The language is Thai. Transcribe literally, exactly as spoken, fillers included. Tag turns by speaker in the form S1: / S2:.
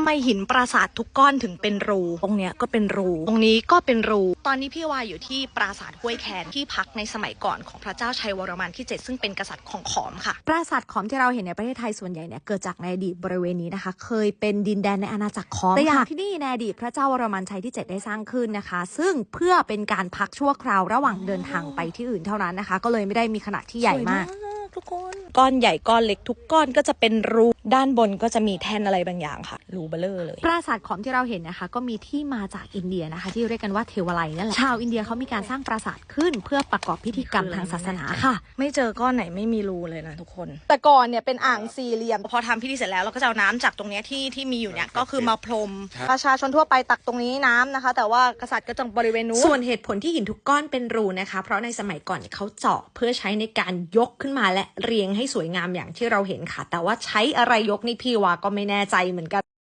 S1: ไมหินปราสาททุกก้อนถึงเป็นรูตรงเนี้ยก็เป็นรูตรงนี้ก็เป็นรูตอนนี้พี่วายอยู่ที่ปราสาทห้วยแคนที่พักในสมัยก่อนของพระเจ้าชัยวรมันที่เจ็ดซึ่งเป็นกษัตริย์ของขอมค่ะ
S2: ปราสาทขอมที่เราเห็นในประเทศไทยส่วนใหญ่เนี่ยเกิดจากในอดีตบริเวณนี้นะคะเคยเป็นดินแดนในอาณาจักรขอมแต่อย่างที่นี่ในอดีตพระเจ้าวรมันชัยที่เจ็ดได้สร้างขึ้นนะคะซึ่งเพื่อเป็นการพักชั่วคราวระหว่างเดินทางไปที่อื่นเท่านั้นนะคะก็เลยไม่ได้มีขนาดที่ใหญ่มาก
S1: ทุกคนก้อนใหญ่ก้อนเล็กทุกก้อนก็จะเป็นรูด้านบนก็จะมีแท่นอะไรบางอย่างค่ะรูเบลอเลย
S2: ปราสาทขอมที่เราเห็นนะคะก็มีที่มาจากอินเดียนะคะที่เรียกกันว่าเทวไลนั่นแหละชาวอินเดียเขามีการสร้างปราสาทขึ้นเพื่อประกอบพิธีกรรมทางศาสนาค่ะ
S1: ไม่เจอก้อนไหนไม่มีรูเลยนะทุกคนแต่ก่อนเนี่ยเป็นอ่างสี่เหลี่ยมพอทำพิธีเสร็จแล้วเราก็จะเอาน้ำจากตรงนี้ที่ที่มีอยู่เนี่ยก็คือมาพรมประชาชนทั่วไปตักตรงนี้น้ำนะคะแต่ว่ากษัตริย์ก็จะบริเวณนู้น
S2: ส่วนเหตุผลที่หินทุกก้อนเป็นรูนะคะเพราะในสมัยก่อนเนี่ยเขาเจาะเพื่อใช้ในการยกขึ้นมาและเรียงให้สวยงามอย่างที่เราเห็นค่ะแต่ว่าใช้อะไรยกนี่พี่วาก็ไม่แน่ใจเหมือนกัน